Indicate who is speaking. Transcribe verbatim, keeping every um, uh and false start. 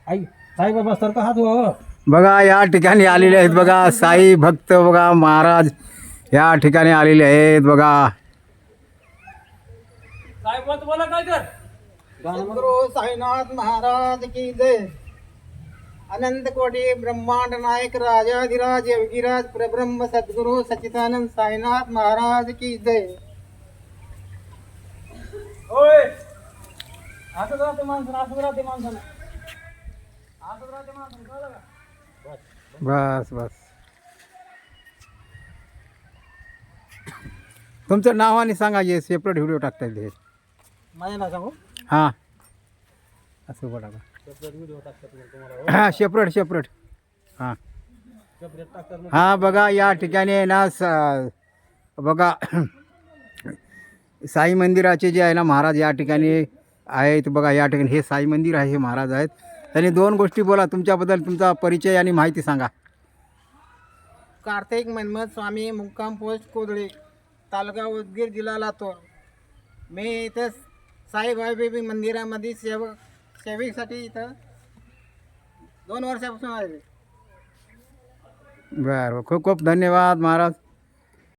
Speaker 1: आई साईबाबा सारखा हात व्हावा.
Speaker 2: बघा या ठिकाणी आलेले आहेत बघा साई भक्त बघा महाराज या ठिकाणी आलेले आहेत बघा.
Speaker 3: सद्गुरु साईनाथ महाराज की जय. अनंत कोटी ब्रह्मांड नायक राजाधिराज योगीराज प्रब्रह्म सद्गुरु सच्चिदानंद साईनाथ महाराज की जय.
Speaker 1: होय असंच राहते माणसं, असंच राहते माणसानं, असंच राहते माणसानं, कळलं का?
Speaker 2: बस बस तुमचं नाव आणि सांगा हे सेपरेट व्हिडिओ टाकता येईल हे.
Speaker 3: माझे नाव सांगू.
Speaker 2: हां असं बघा
Speaker 1: सेपरेट व्हिडिओ टाकतात मग तुम्हाला.
Speaker 2: हां सेपरेट सेपरेट हां
Speaker 1: सेपरेट टाकतात मग.
Speaker 2: हां बघा या ठिकाणी आहे ना स बघा साई मंदिराचे जे आहे ना महाराज या ठिकाणी आहेत बघा. या ठिकाणी हे साई मंदिर आहे, हे महाराज आहेत. त्यांनी दोन गोष्टी बोला तुमच्याबद्दल, तुमचा परिचय आणि माहिती सांगा.
Speaker 3: कार्तिक मनमत स्वामी मुक्काम पोस्ट कोदळे तालुका उदगीर जिल्हा लातूर. मी इथं साईबाबा मंदिरामध्ये सेवक सेवेसाठी इथं दोन वर्षापासून आले.
Speaker 2: बरं खूप खूप धन्यवाद महाराज.